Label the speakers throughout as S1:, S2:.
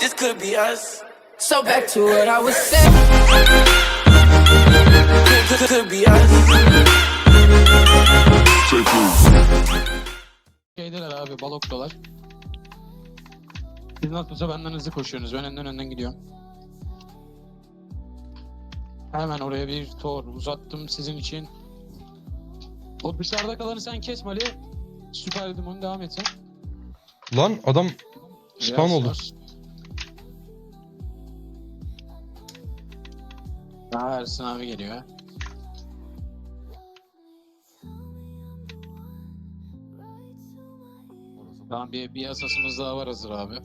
S1: this could be us. So back to what I was saying. Could be us.
S2: Şeydeler abi, baloktalar. Siz nasılsa benden hızlı koşuyorsunuz. Ben önden gidiyorum. Hemen oraya bir tor uzattım sizin için. O dışarıda kalanı sen kes Mali. Süper dedim, onu devam et sen.
S3: Lan adam spawn oldu.
S2: Ersin abi geliyor. Tamam, bir asasımız daha var hazır abi.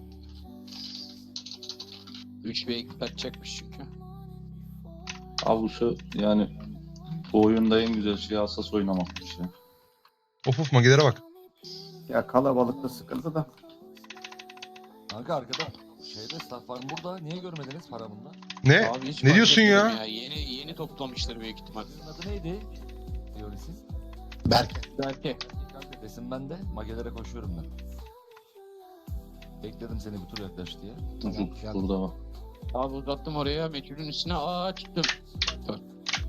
S2: 3v2 kaçacakmış çünkü.
S4: Avlusu yani bu oyunda en güzel şey hassas oynamakmış ya.
S3: Of magelere bak.
S5: Ya kalabalıkta sıkıntı da.
S6: Kanka arkada şeyde staff var burada. Niye görmediniz paramında?
S3: Ne?
S2: Abi hiç
S3: Ne
S2: fark
S3: diyorsun
S2: etmedim
S3: ya?
S2: Yeni toplamışlar büyük ihtimal.
S6: Senin adı neydi? Diyorsun.
S2: Belki.
S6: Kanka resim bende. Magelere koşuyorum ben. Bekledim seni bir tur yaklaş diye.
S4: Çocuk burada bak.
S2: Abi uzattım oraya, meçhulün üstüne çıktım. Dur.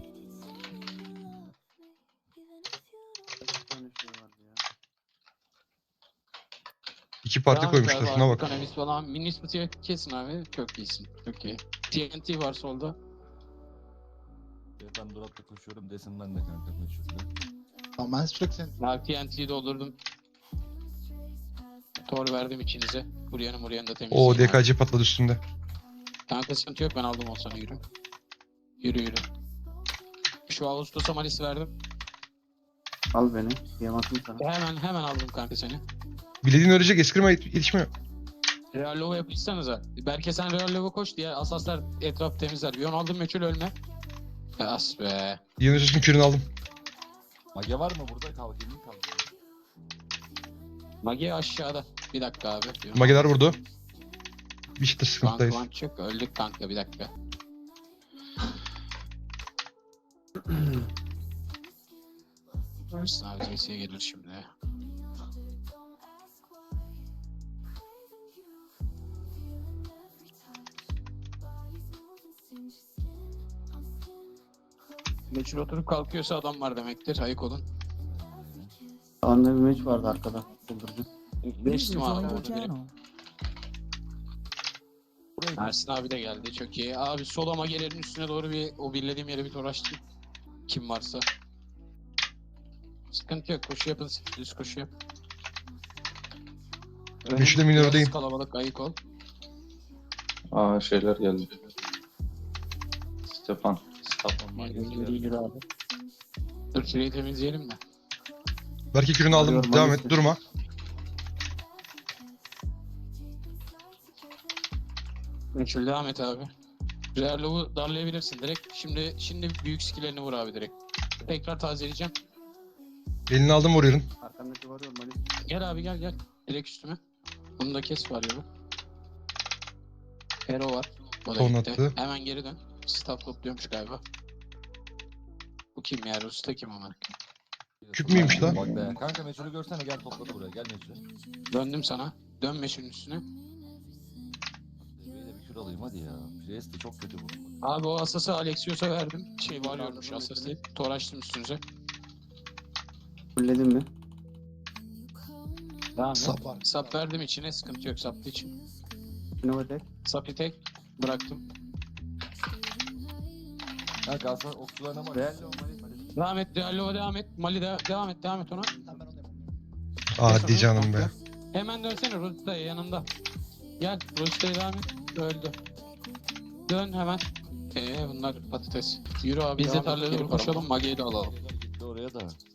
S3: İki parti
S2: Devam et
S3: koymuşlar
S2: abi,
S3: şuna bak.
S2: Kanavis falan. Minismit'i kesin abi. Çok iyisin. Çok iyi. TNT var solda.
S6: Ben Durat'la koşuyorum. Resim bende kanka meşhurda.
S7: Ama ben sürekli sen...
S2: Ben TNT'yi doldurdum. Tor verdim içinize. Buryanı da temizleyin.
S3: O
S2: abi.
S3: DKC patladı üstünde.
S2: Kanka sıkıntı yok, ben aldım o sana, yürü. Yürü. Şu Ağustos'a Malis verdim.
S5: Al beni. Yamasın sana.
S2: Hemen aldım kanka seni.
S3: Bilediğin ölecek eskirme yetişmiyor.
S2: Real Lova yapışsanıza. Belki sen Real Lova koş diye asaslar etraf temizler. Bir onu aldım, meçhul ölme. As be.
S3: Yunus'un kürünü aldım.
S6: Mage var mı burada? Kalkayım mı kalkayım?
S2: Magi aşağıda. Bir dakika abi.
S3: Mageler vurdu. Bir çıtır
S2: Kanka
S3: sıkıntıdayız.
S2: lan çık. Öldük kanka, bir dakika. Ersin abi CS'ye gelir şimdi. Meçhul oturup kalkıyorsa adam var demektir. Ayık olun.
S5: Sağında bir meç vardı arkada. Buldurucu.
S2: Geçtim abi. orada benim.
S6: Buraya
S2: Ersin abi de geldi. Çok iyi. Abi sola magelerin üstüne doğru o birlediğim yere bir toraştım. Kim varsa. Sıkıntı yok. Koşu yapın. Düz koşu yap.
S3: Meşhule minördeyim.
S2: Biraz kalabalık, ayık ol.
S4: Aa şeyler geldi. Stefan.
S2: İyidir abi. Dur şurayı temizleyelim mi?
S3: Belki kürünü aldım.
S5: Alıyorum,
S3: Devam
S5: Manis'te.
S3: et durma.
S2: Meçhul devam et abi. Reallov'u darlayabilirsin direkt. Şimdi büyük skillerini vur abi direkt. Tekrar tazeleyeceğim.
S3: Elini aldım vuruyorum.
S5: Arkandaki varıyor Malis.
S2: Gel abi gel. Direkt üstüme. Bunu da kes var ya. Hero var. O da
S3: Ton
S2: gitti.
S3: attı.
S2: Hemen geri dön. Staff topluyormuş galiba. Bu kim ya? Usta kim ama?
S3: Küp müymüş lan?
S6: Bak be. Kanka meşhurü görsene, gel topladı buraya. Gel meşhur.
S2: Döndüm sana. Dön meşhurun üstüne.
S6: Böyle bir kür alayım hadi ya. Priest de çok kötü bu.
S2: Abi o asası Alexios'a verdim. Varıyormuş asası değil. Tor açtım üstünüze.
S5: Fulledin mi?
S2: Devam et.
S7: Sap var.
S2: Sap verdim içine, sıkıntı yok saplı için.
S5: Novatek.
S2: Sapı tek bıraktım.
S6: Kanka aslında okçularına bak.
S5: Reallo Malis.
S2: Devam et, Diallo'ya devam et. Mali devam et ona.
S7: Tamam ben onu yapayım.
S3: Hadi canım be.
S2: Hemen dönsene Rusta'ya, yanında. Gel Rusta'ya devam et. Öldü. Dön hemen. Bunlar patates. Yürü abi, biz de tarlaya doğru koşalım, Magi'yi de alalım.
S6: Gitti oraya da.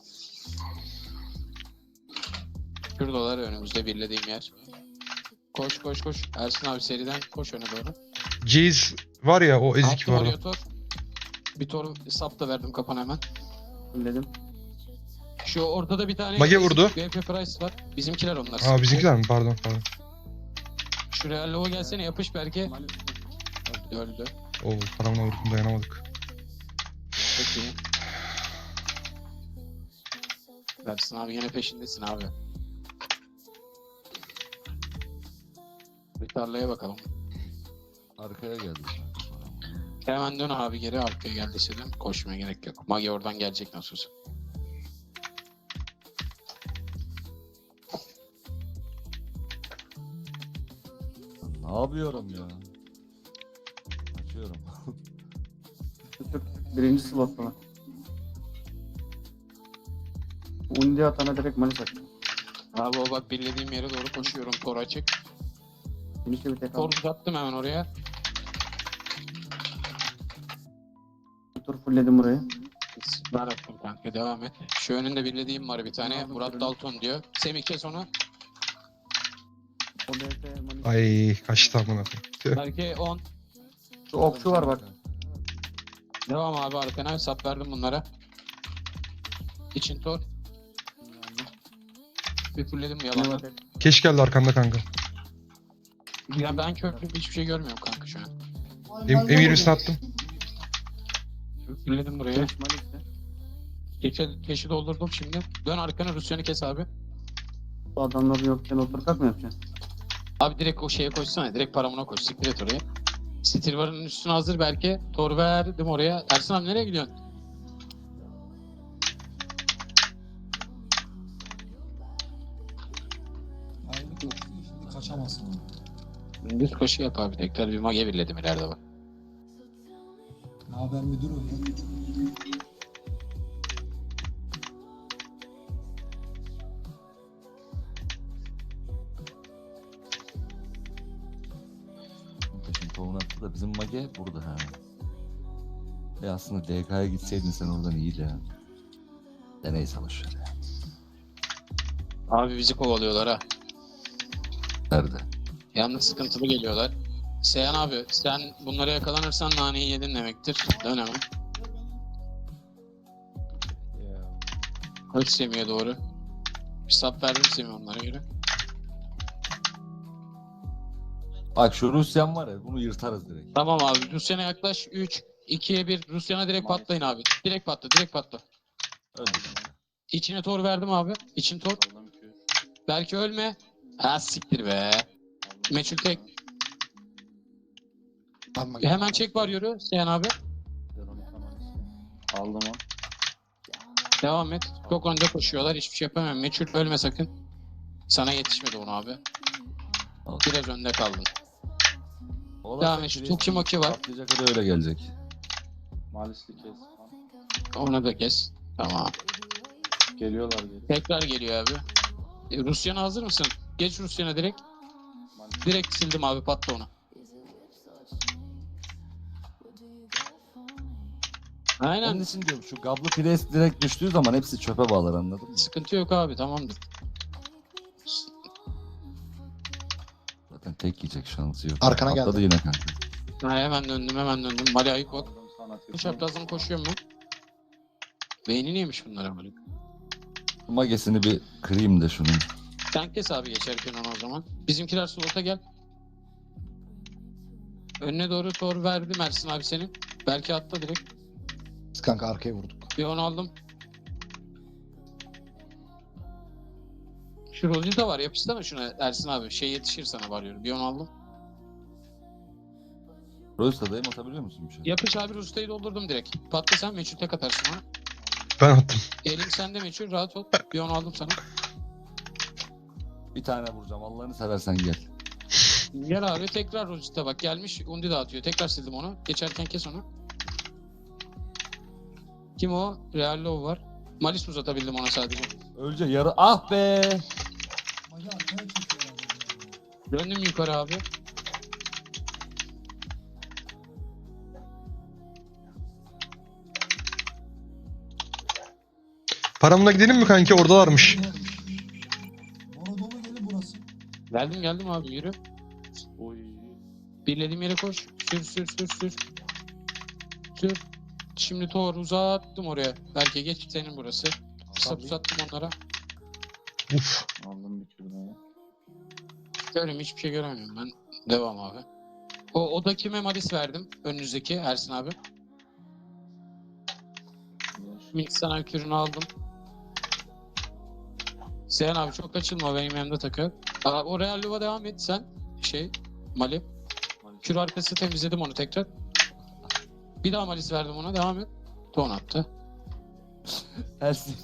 S2: Şuradalar önümüzde birlediğim yer. Koş. Ersin abi seriden koş öne doğru.
S3: Jace var ya o ezik
S2: Attım oraya
S3: vardı.
S2: tor. Bir tor sap da verdim kapan hemen.
S5: Fulledim.
S2: Şu ortada bir tane
S3: Mage vurdu.
S2: VP Price var. Bizimkiler onlar.
S3: Aa bizimkiler mi? Pardon.
S2: Şu Real Lova gelsene, yapış belki.
S5: Malis.
S2: Öldü.
S3: Oo paramla vurdum dayanamadık.
S2: Çok iyi. Ersin abi yine peşindesin abi. Bir tarlaya bakalım.
S6: Arkaya geldi.
S2: Hemen dön abi geri arkaya geldiyse dön. Koşmaya gerek yok. Magi oradan gelecek nasıl olsa.
S6: Ne yapıyorum ya? Açıyorum.
S5: Birinci slot falan. Undi atana direkt manis attı.
S2: Abi o bak bildiğim yere doğru koşuyorum. Tor açık.
S5: Finish'e bir tek
S2: Tor
S5: aldı.
S2: uzattım hemen oraya.
S5: Tur fullledim burayı.
S2: Ben attım kanka devam et. Şu önünde bildiğim var bir tane.
S5: Aldım,
S2: Murat
S5: kırdım.
S2: Dalton diyor. Semih kes onu.
S5: O DT manis.
S3: Ay kaçtı amına koyayım. Tüh.
S2: Belki 10.
S5: Şu okçu var bak.
S2: Devam abi arkana. Sap verdim bunlara. İçin tor. Bir fulledim
S5: Ne
S2: yalanla.
S5: var?
S3: Keş geldi arkanda kanka.
S2: Ya ben köprü hiçbir şey görmüyorum kanka şu an.
S3: M20'sini attım.
S2: Fulledim buraya.
S5: Finish manis'te.
S2: Keşi doldurdum şimdi. Dön arkana Rusya'nı kes abi.
S5: Bu adamlar yokken otur kalk mı yapacaksın?
S2: Abi direkt o şeye koşsana. Direkt paramına koş. Siktir et oraya. Stilvar'ın üstüne hazır belki. Tor verdim oraya. Ersin abi nereye gidiyorsun?
S8: Ayrılık yok. Şimdi kaçamazsın.
S2: Düz koşu yap abi. Tekrar bir mage birledim ileride bak.
S8: Ne haber müdür o ya?
S6: Şimdi tohum attı da bizim mage burada ha. Aslında DK'ya gitseydin sen oradan iyiydi ha. De neyse boşver ya.
S2: Abi bizi kovalıyorlar ha.
S6: Nerede?
S2: Yalnız sıkıntılı geliyorlar. Seyhan abi sen bunlara yakalanırsan naneyi yedin demektir. Dön hemen. Koş Semih'e doğru. Bir sap verdim Semih onlara göre.
S6: Bak şu Rusyan var ya bunu yırtarız direkt.
S2: Tamam abi Rusya'na yaklaş. 3, 2'ye 1. Rusya'na direkt patlayın abi. Direkt patla, direkt patla.
S6: Öldük.
S2: İçine tor verdim abi. İçin tor.
S4: Aldım ki.
S2: Belki ölme. Ha siktir be. Meçhul tek.
S7: Alma.
S2: Hemen çek var yürü Seyhan abi.
S4: Aldım o.
S2: Devam et. Çok önde koşuyorlar. Hiçbir şey yapamıyorum. Meçhul ölme sakın. Sana yetişmedi onu abi.
S6: Al.
S2: Biraz önde kaldın.
S6: Oğlum
S2: Devam
S6: sen
S2: et. Şu
S6: Priest'i
S2: Tuki Maki var.
S6: Patlayacak o da öyle gelecek.
S4: Malisli kes.
S2: Onu da kes. Tamam.
S4: Geliyorlar geri.
S2: Tekrar geliyor abi. Rusya'na hazır mısın? Geç Rusya'na direkt. Direkt sildim abi patla onu.
S6: Onun
S2: Aynen.
S6: için diyorum şu Gablı Priest direkt düştüğü zaman hepsi çöpe bağlar anladın mı?
S2: Sıkıntı yok abi tamamdır.
S6: Zaten tek yiyecek şansı yok.
S7: Arkana
S6: Atladı
S7: geldi.
S6: yine kanka.
S2: Ha, hemen döndüm. Mali ayık bak.
S4: Aldım sana
S2: Bu
S4: tek.
S2: çaprazdan koşuyorum ben. Beynini yemiş bunlara böyle.
S6: Magesini bir kırayım da şunu.
S2: Sen kes abi geçerken onu o zaman. Bizimkiler slota gel. Önüne doğru tor verdim Ersin abi senin. Belki atla direkt.
S7: Biz kanka arkaya vurduk.
S2: Bir onu aldım. Şu Rosita var yapışsana şuna Ersin abi. Şey yetişir sana varıyorum. Bir onu aldım.
S6: Royce'dayım atabiliyor musun bir şey?
S2: Yapış abi Rosita'yı doldurdum direkt. Patla sen meçhul tek atarsın ona.
S3: Ben attım.
S2: Elim sende meçhul rahat ol. Bir onu aldım sana.
S6: Bir tane vuracağım Allah'ını seversen gel.
S2: Gel abi tekrar Rosita bak gelmiş. Undi dağıtıyor. Tekrar sildim onu. Geçerken kes onu. Kim o? Real Love var. Malis uzatabildim ona sadece.
S6: Önce yarı ah be.
S8: Magi arkaya çekiyor abi.
S2: Döndüm yukarı abi.
S3: Paramla gidelim mi kanki? Oradalarmış.
S8: Bora dolu gelin burası.
S2: Geldim abi yürü.
S4: Oy.
S2: Birlediğim yere koş. Sür. Sür. Şimdi Thor uzattım oraya. Belki geç senin burası. Sap uzattım onlara.
S3: Uf.
S4: Aldım bir kürdanı.
S2: Görüyorum hiçbir şey göremiyorum ben. Devam abi. O da kime Malis verdim? Önünüzdeki Ersin abi. Mix sana kürünü aldım. Seyhan abi çok açılma benim yanımda takı. O Real Luva devam et sen. Mali. Kür arkası temizledim onu tekrar. Bir daha malis verdim ona. Devam et. Ton attı.
S6: Ersin.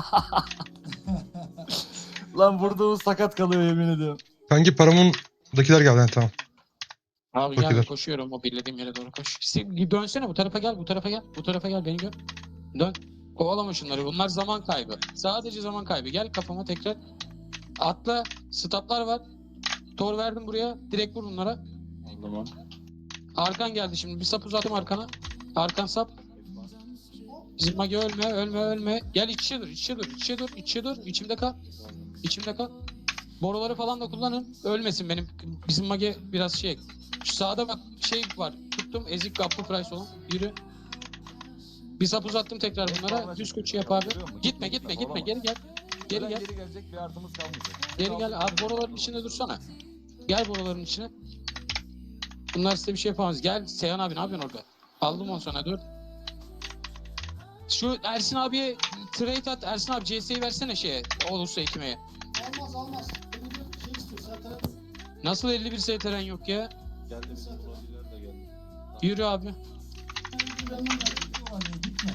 S6: Lan burada o sakat kalıyor yemin ediyorum.
S3: Kanki paramındakiler geldi. Ha, tamam.
S2: Abi
S3: Çok
S2: gel
S3: güzel.
S2: koşuyorum. O bildiğim yere doğru koş. Dönsene bu tarafa gel. Bu tarafa gel. Bu tarafa gel. Beni gör. Dön. Kovalama şunları. Bunlar zaman kaybı. Sadece zaman kaybı. Gel kafama tekrar. Atla. Stoplar var. Tor verdim buraya. Direkt vur bunlara.
S4: Aldım onu.
S2: Arkan geldi şimdi. Bir sap uzattım arkana. Arkan sap. Bizim magi ölme, ölme, ölme. Gel iç içe dur, iç içe dur, iç içe dur, iç içe dur. İçimde kal. İçimde kal. Boruları falan da kullanın. Ölmesin benim. Bizim magi biraz şey. Şu sağda bak şey var. Tuttum. Ezik kaplı price olan. Yürü. Bir sap uzattım tekrar bunlara. Düz koçu yap abi. Gitme, gitme, gitme. Geri gel. Geri gel.
S6: Geri gelecek bir artımız kalmayacak.
S2: Geri gel. Abi boruların içinde dursana. Gel boruların içine. Bunlar size bir şey yapamaz. Gel Seyhan abi ne yapıyorsun orada? Aldım onu sana dur. Şu Ersin abiye trade at. Ersin abi CS'yi versene şeye. Olursa ekmeğe.
S8: Almaz almaz. Bir şey istiyor zaten.
S2: Nasıl 51 STR'n yok ya?
S4: Geldi bizim projeler de geldi.
S2: Yürü abi.
S8: Benden de gidiyorlar ya, gitme.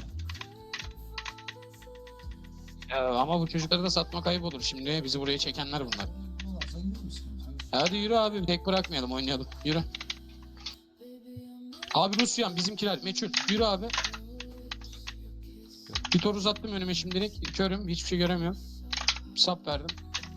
S2: Ama bu çocukları da satmak ayıp olur. Şimdi bizi buraya çekenler bunlar.
S8: Gidiyorlarsa gidiyor musun?
S2: Hadi yürü abi. Tek bırakmayalım oynayalım. Yürü. Abi Rusyan bizimkiler meçhul. Yürü abi. Bir tor uzattım önüme şimdilik. Körüm. Hiçbir şey göremiyorum. Sap verdim.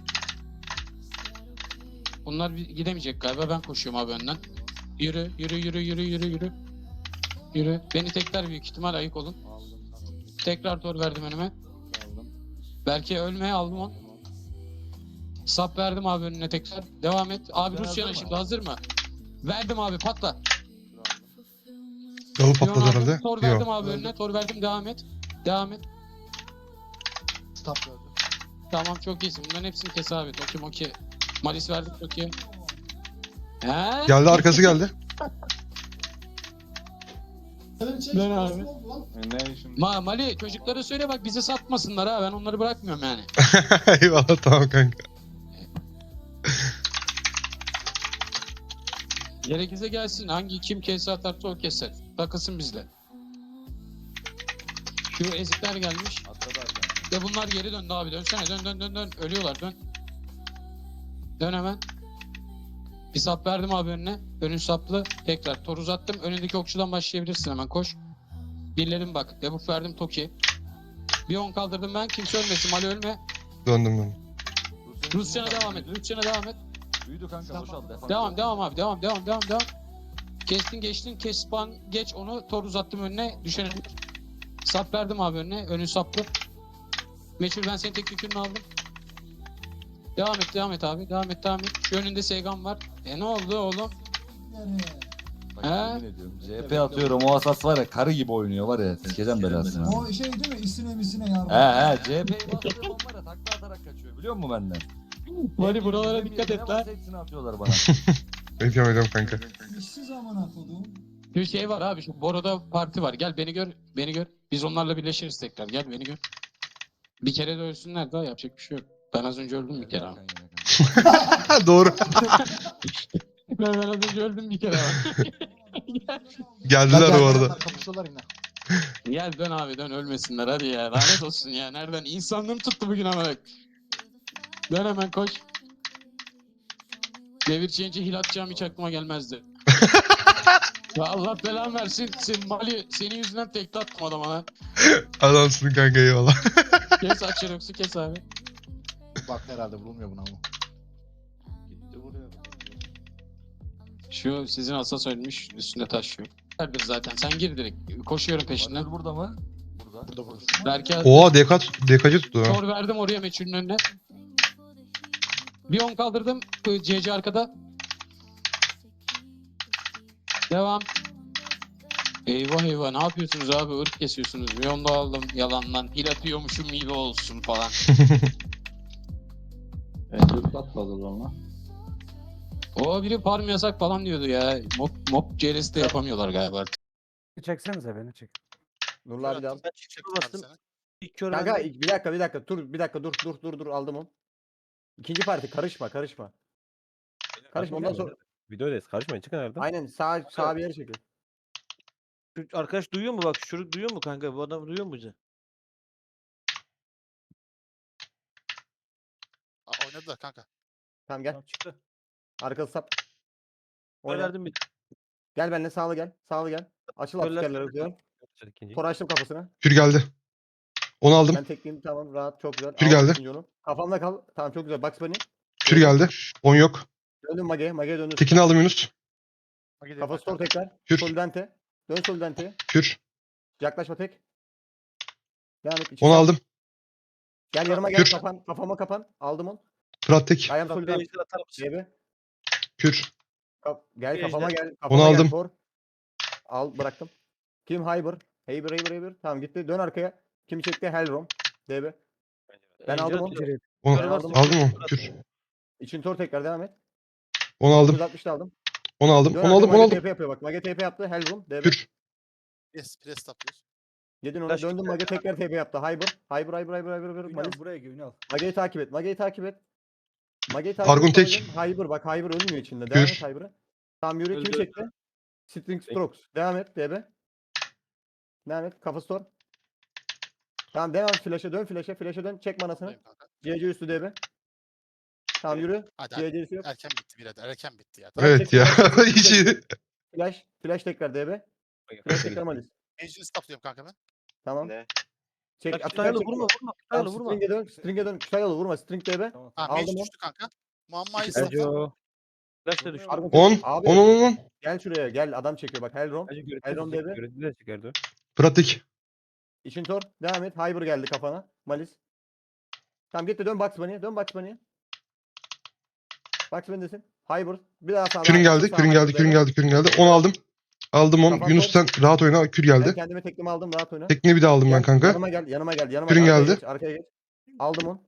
S2: Bunlar gidemeyecek galiba. Ben koşuyorum abi önden. Yürü, yürü, yürü, yürü, yürü, yürü. Yürü. Beni tekrar büyük ihtimal ayık olun.
S4: Aldım.
S2: Tekrar tor verdim önüme.
S4: Aldım.
S2: Belki ölmeye aldım onu. Sap verdim abi önüne tekrar. Devam et. Abi
S6: Ben
S2: Rusya'na
S6: hazır
S2: şimdi hazır mı? Verdim abi patla.
S3: Yalı
S2: Yon
S3: patladı
S2: aldım,
S3: herhalde.
S2: Tor verdim
S3: Yok.
S2: abi önüne. Tor verdim devam et. Devam et.
S7: Stop gördüm.
S2: Tamam çok iyisin. Bunların hepsini kes abi. Okey. Malis verdik okey. He?
S3: Geldi arkası geldi.
S8: Senin çek.
S2: Ben abi.
S8: Ne oldu lan?
S4: Ne şimdi?
S2: Mali çocuklara söyle bak bizi satmasınlar ha. Ben onları bırakmıyorum yani.
S3: Eyvallah tamam kanka.
S2: Gerekirse gelsin. Hangi kim kese atarsa o keser. Takılsın bizle. Şu ezikler gelmiş.
S4: Atladı arkadan.
S2: Ve bunlar geri döndü abi. Dönsene dön. Ölüyorlar dön. Dön hemen. Bir sap verdim abi önüne. Önün saplı. Tekrar tor uzattım. Önündeki okçudan başlayabilirsin hemen koş. Birlerim bak. Debuff verdim Toki. Bir 10 kaldırdım ben. Kimse ölmesin. Mali ölme.
S3: Döndüm ben.
S2: Rusya'na devam et.
S6: Büyüdü kanka boşalt.
S2: Devam abi. Devam. Kestin geçtin. Kes spawn geç onu. Tor uzattım önüne. Düşene. Sap verdim abi önüne. Önün saplı. Meçhul ben senin tek yükünü aldım. Devam et abi. Devam et. Şu önünde Segan var. Ne oldu oğlum?
S8: Nereye?
S6: Bak,
S2: He?
S6: yemin ediyorum. CHP atıyorum o asas var ya karı gibi oynuyor var ya. Sikeceğim belasını.
S8: O şey değil mi? İsine misine yardım.
S6: He CHP'yi bastığım an var ya takla atarak kaçıyor biliyor musun benden?
S2: Mali buralara
S6: Yemin
S2: dikkat
S6: ediyorum,
S2: et
S6: ne
S2: lan.
S6: varsa hepsini atıyorlar bana.
S3: Ediyorum kanka.
S8: İşsiz amına kodum.
S2: Bir şey var abi şu Boro'da parti var. Gel beni gör. Biz onlarla birleşiriz tekrar. Gel beni gör. Bir kere de ölsünler daha yapacak bir şey yok. Ben az önce öldüm bir kere ama.
S3: Doğru.
S2: Ben az önce öldüm bir kere ama.
S3: Geldiler bu arada.
S7: Kapışıyorlar yine.
S2: Gel dön abi dön ölmesinler hadi ya. Lanet olsun ya. Nereden? İnsanlığım tuttu bugün ama. Dön hemen koş. Devir change'e hil atacağım hiç aklıma gelmezdi. Ya Allah belanı versin. Mali senin yüzünden tekte attım adama lan.
S3: Adamsın kanka eyvallah.
S2: Kes Acherox'u kes abi.
S7: Bak herhalde vurulmuyor buna ama.
S4: Gitti buraya.
S2: Şu sizin asas ölmüş üstünde taş yok. Vardır zaten sen gir direkt. Koşuyorum peşinden.
S6: Barış burada mı? Burada.
S7: Burada.
S2: Belki
S3: Oha DK'cı tuttu ha.
S2: tor verdim oraya meçhulün önüne. Bir 10 kaldırdım. CC arkada. Devam. Eyvah ne yapıyorsunuz abi? Irk kesiyorsunuz. Miyon da aldım yalandan. Hil atıyormuşum gibi olsun falan.
S4: Dur atladı ona.
S2: O biri farm yasak falan diyordu ya. Mob CRS'de yapamıyorlar galiba artık.
S9: Çeksenize beni çek.
S10: Nurlar bir al.
S9: Bastım.
S10: İlk kör
S9: Kanka
S10: bende.
S9: bir dakika dur aldım onu. İkinci parti karışma. Karışma ondan sonra
S10: Videodayız. Karışmayın. Çıkın nereden?
S5: Aynen sağ bir yere çekil.
S9: Şu arkadaş duyuyor mu bak? Şu çocuk duyuyor mu kanka? Bu adam duyuyor mu bizi?
S7: Oynadılar kanka.
S5: Tamam gel.
S9: Tamam çıktı.
S5: Arkası sap.
S9: Ben
S5: Oyna.
S9: verdim bir.
S5: Gel benimle sağlı gel. Sağlı gel. Açıl
S9: Körler
S5: askerlere hızlı.
S10: İkinci.
S5: Tor açtım kafasına.
S3: Kür geldi. Onu aldım.
S5: Ben tekleyeyim tamam rahat çok güzel.
S3: Kür
S5: Aldım
S3: geldi.
S5: ikinci onu. Kafamda kal. Tamam çok güzel. Bugs Bunny.
S3: Kür geldi. 10 yok.
S5: Döndüm Mage'ye. Mage'ye döndüm.
S3: Tekini aldım Yunus.
S5: Kafası tor tekrar.
S3: Kür.
S5: Solidante. Dön Solidante'ye.
S3: Kür.
S5: Yaklaşma tek. Devam et. İçi
S3: Onu
S5: sap.
S3: aldım.
S5: Gel yanıma gel.
S3: Kür.
S5: Kafama kapan. Aldım onu.
S3: Fırat tek.
S5: Ayağım
S9: Bak bir
S5: Solidante.
S9: ejder atar mısın?
S5: GB.
S3: Kür.
S5: Gel
S9: Bir
S5: kafama
S9: ejder.
S5: gel. Kafama
S3: Onu
S5: gel,
S3: aldım.
S5: Tor. Al bıraktım. Kim Hyber? Hyber. Tamam gitti. Dön arkaya. Kim çekti? Hellrom. DB. Ben
S9: Ejder
S5: aldım onu.
S9: atıyor.
S3: Onu
S9: Kör varsa
S3: aldım mı?
S9: kör
S3: Kür.
S5: İçin Tor tekrar devam et.
S3: Onu aldım.
S5: 960'da aldım.
S3: Onu aldım.
S5: Dön
S3: Onu
S5: arkaya,
S3: aldım. Onu
S5: Mage
S3: aldım.
S5: TP yapıyor bak. Mage TP yaptı. Hellrom. DB.
S3: Kür.
S7: Pres taplıyoruz.
S5: Yedin onu.
S9: Flash
S5: Döndüm
S9: gitti.
S5: Mage tekrar TP yaptı. Hyber. Malis.
S8: Buraya gel Ünal.
S5: Mage'yi takip et. Mage'yi takip et.
S3: Argun
S5: et.
S3: tek.
S5: Hyber bak. Hyber ölmüyor içinde. Devam
S3: Kür.
S5: et Hyber'a. Tamam yürü. Kimi
S9: Öldü.
S5: çekti? String Strokes. Devam et DB. Devam et. Kafa store. Tamam devam flash'a dön flash'a dön. Çek manasını.
S7: Buradayım kanka.
S5: CC üstü DB. Tamam yürü.
S7: Hadi
S5: CC'si yok.
S7: erken bitti birader. Erken bitti ya.
S3: Evet ya. Hiç iyi.
S5: Flash tekrar DB. Flash tekrar Malis.
S7: Ejder'i stopluyorum kanka ben.
S5: Tamam.
S10: Ne?
S5: Çek.
S9: Bak
S5: Atık
S9: Kütahyalı
S5: çek.
S9: vurma.
S5: Tamam,
S9: Kütahyalı vurma.
S5: String'e dön. Kütahyalı vurma. String DB.
S8: Tamam.
S7: Ha
S5: Aldım
S7: Mage
S5: onu.
S7: düştü kanka. Muamma'yı
S5: İkisi de-
S7: stopla.
S9: Flash da düştü.
S5: Argun
S3: 10.
S5: Abi
S3: 10.
S5: gel şuraya. Gel adam çekiyor bak. Hellrom. Elron DB.
S10: Görüntüde çıkardı.
S3: Fırat tek.
S5: İçin tor. Devam et. Hyber geldi kafana. Malis. Tamam gitti. Dön Bugs Bunny'e. Dön Bugs Bunny'e. Bugs Bunny'desin. Hyber. Bir daha sağdan.
S3: Kürün geldi.
S5: sağ
S3: Kürün
S5: Hyber
S3: geldi. Kürün
S5: DB.
S3: geldi. Kürün geldi. 10 aldım. Aldım 10.
S5: Kafam
S3: Yunus sen rahat oyna. Kür
S5: Ben
S3: geldi.
S5: kendime teklimi aldım. Rahat oyna.
S3: Tekniği bir daha aldım ben
S5: Gel,
S3: kanka.
S5: Yanıma gel.
S3: Kürün
S5: Arkaya
S3: geldi.
S5: geç, arkaya geç. Aldım onu.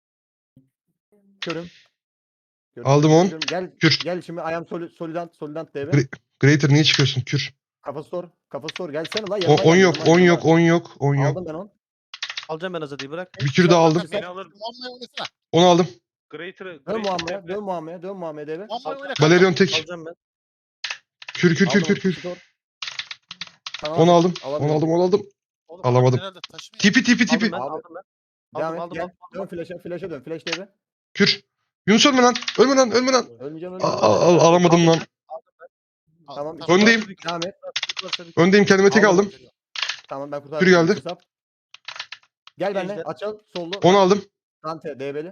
S5: Körüm.
S3: Aldım on.
S5: Gel.
S3: Kür.
S5: Gel şimdi ayağım solidant DB.
S3: Gre- Greater niye çıkıyorsun? Kür.
S5: Kafası sor. Gelsene la.
S3: 10 yok. 10 yok. 10 yok. 10 yok.
S5: Aldım ben onu.
S9: Alacağım ben Azadi'yi bırak.
S3: Bir kür daha aldım.
S7: Beni alır. Muamma'yı oynasana.
S3: 10 aldım.
S5: Dön Muhammed'e DB.
S7: Muamma'yı oyna kanka.
S3: Valerion tek.
S9: Alacağım ben.
S3: Kür.
S5: Aldım, Tamam,
S3: 10 aldım. 10
S5: alamıyorum.
S3: aldım.
S7: Oğlum,
S3: Alamadım.
S7: herhalde taşımıyor.
S3: Tipi.
S9: Aldım ben.
S5: Abi,
S9: Aldım ben.
S5: Devam
S9: Aldım,
S5: et.
S9: aldım,
S5: Gel.
S9: aldım.
S5: Dön flash'a dön. Flash DB.
S3: Kür. Yunus ölme lan. Ölme lan.
S5: Ölmeyeceğim.
S3: Alamadım lan.
S5: Tamam.
S3: Öndeyim.
S5: Devam et.
S3: Öndeyim, kendime tek aldım.
S5: Tamam ben kurtardım.
S3: Kür geldi.
S5: Hesap. Gel benimle.
S9: Ejder.
S5: Açıl. Sollu.
S3: 10 aldım.
S5: Dante DB'li.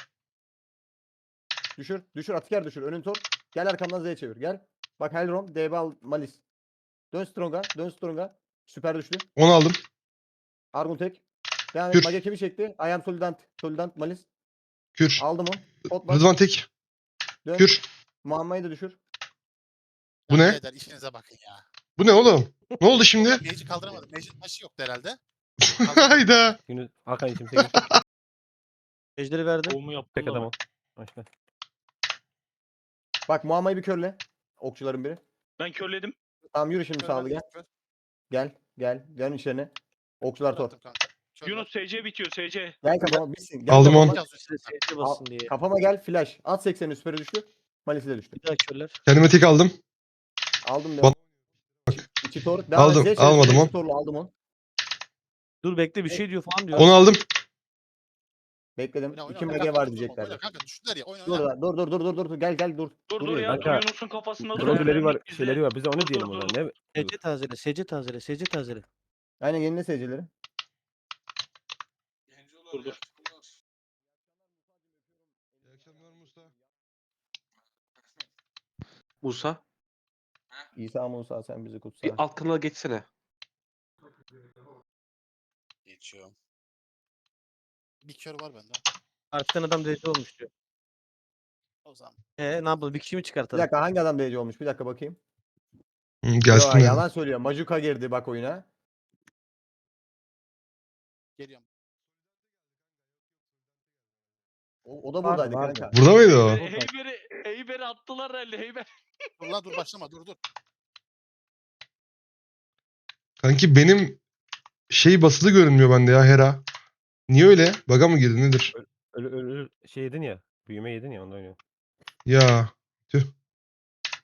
S5: Düşür. Atiker düşür. Önün tor. Gel arkamdan Z çevir. Gel. Bak Hellrom. DB al. Malis. Dön Strong'a. Süper düştü.
S3: 10 aldım.
S5: Argun tek. Devam
S3: Kür.
S5: et. Mage kimi çekti? I am Solidant Malis.
S3: Kür.
S5: Aldım onu. Pot bak.
S3: Rıdvan tek.
S5: Dön.
S3: Kür.
S5: Muamma'yı da düşür.
S3: Bu ne?
S7: Birader işinize bakın ya.
S3: Bu ne oğlum? Ne oldu şimdi?
S7: Mage'i kaldıramadım. Mage'in taşı yoktu herhalde.
S3: Hayda.
S10: Yunus Hakan için tek.
S9: Ejderi verdim.
S10: Tek adam ol. Başla.
S5: Bak Muamma'yı bir körle. Okçuların biri.
S11: Ben körledim.
S5: Tamam yürü şimdi sağlı gel. Gel. Dön içerine. Okçular tor.
S11: Yunus SC bitiyor SC.
S5: Gel kafama bitsin. Gel
S3: Aldım
S5: kafama.
S3: onu.
S9: SC bassın diye.
S5: Kafama gel flash. At 80'in süperi düştü. Malis'i de düştü.
S9: Bir daha körler.
S3: Kendime tek aldım.
S5: Aldım
S3: Bak.
S5: İçi tor.
S3: Aldım, almadım onu.
S5: Torlu aldım onu.
S9: Dur bekle bir şey diyor falan diyor.
S3: 10 aldım.
S5: Bekledim.
S7: Oyna, oyna,
S5: 2
S7: oyna,
S5: mage
S7: kanka,
S5: var
S7: dur,
S5: diyeceklerdi.
S7: oyna kanka düştüler ya. Oyna
S5: Dur
S7: oyna.
S5: lan, dur. Gel dur.
S11: Dur
S5: Duruyor.
S11: ya.
S10: Kanka.
S11: Yunus'un kafasında
S10: Drone'leri var.
S11: Bizde-
S10: Şeyleri var. Bize onu
S11: Dur,
S10: diyelim
S11: dur,
S10: o
S11: dur.
S10: zaman. Ne?
S9: SC tazele.
S5: Aynen yenile seyircileri.
S11: Dur.
S12: Musa
S5: İsa Musa sen bizi kutsa.
S12: bir alt kanala geçsene.
S7: Geçiyorum. Bir kör var bende.
S9: Arkadan adam DC olmuş diyor.
S7: O zaman.
S9: Ne yapalım? Bir kişi mi
S5: Bir
S9: çıkartalım?
S5: dakika hangi adam DC olmuş? Bir dakika bakayım.
S3: Gelsin.
S5: Yo,
S3: ya.
S5: yalan söylüyor. Majuka girdi bak oyuna.
S7: Geliyorum.
S5: O da buradaydı
S10: vardı.
S5: kanka.
S3: Burada mıydı o?
S11: Heyber'i attılar herhalde Heyber.
S7: Dur lan dur başlama dur.
S3: Kanki benim şey basılı görünmüyor bende ya Hera. Niye öyle? Baga mı girdi nedir?
S10: Ölü şey yedin ya. Büyüme yedin ya ondan oynuyor.
S3: Ya.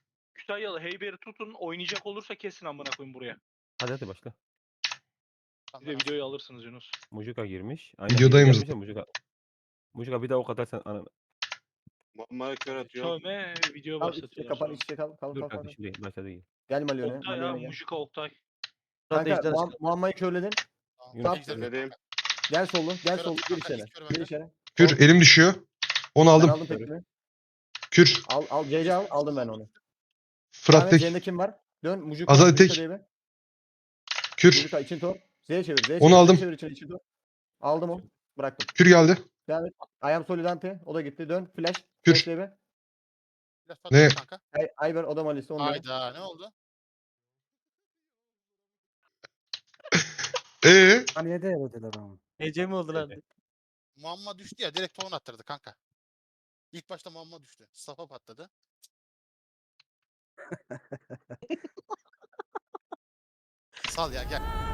S11: Kütahyalı Heyber'i tutun. Oynayacak olursa kesin amına koyayım buraya.
S10: Hadi başla.
S11: Bir de videoyu alırsınız Yunus.
S10: Mujuka girmiş.
S3: Videodayım
S10: gelmiş ya Mujuka. Mujuka bir daha ok atarsan ananı.
S4: Muammer'e kör atıyor.
S11: Sövme video
S5: Kal içte
S11: başlatıyorlar
S5: kapan
S11: sonra.
S5: içte kal
S10: Dur
S5: kal
S10: kanka
S5: kal.
S10: şimdi başladı iyi.
S5: Gel Malyon'a.
S11: Oktay ya
S5: Malyon'a gel.
S11: Mujika Oktay.
S5: Kanka
S9: Ejder
S5: Muamma'yı körledin.
S10: Yunus
S5: Sap.
S4: Dedim.
S5: Gel sollu. Gel
S7: Kör
S5: sollu.
S7: atıyor
S5: Gir
S7: kanka,
S5: içeri.
S7: ilk kör
S5: Gir
S7: bende.
S5: içeri.
S3: Kür elim düşüyor. Onu
S5: Ben
S3: aldım.
S5: aldım tekini.
S3: Kür.
S5: Al CC al. Aldım ben onu.
S3: Fırat
S5: Ahmet
S3: tek.
S5: Z'nde kim var? Dön Mujuka.
S3: Azali
S5: Mujuka
S3: tek.
S5: diye bir.
S3: Kür.
S5: Mujuka için tor. Z'ye çevir. Z'ye
S3: Onu
S5: çevir,
S3: aldım.
S5: Z'ye çevir için tor. Aldım onu. Bıraktım.
S3: Kür geldi.
S5: Devam et. Ayam Solidante. O da gitti. Dön. Flash.
S3: Kür.
S5: Flash diye bir.
S7: Biraz
S3: Ne?
S7: patladı kanka.
S5: Ayber o da Malis'te. Onu da.
S7: Hayda ne oldu?
S8: Niye değerlediler ama?
S9: Ece mi oldu lan?
S7: Muamma düştü ya direkt ton attırdı kanka. İlk başta Muamma düştü. Safa patladı. Sal ya gel.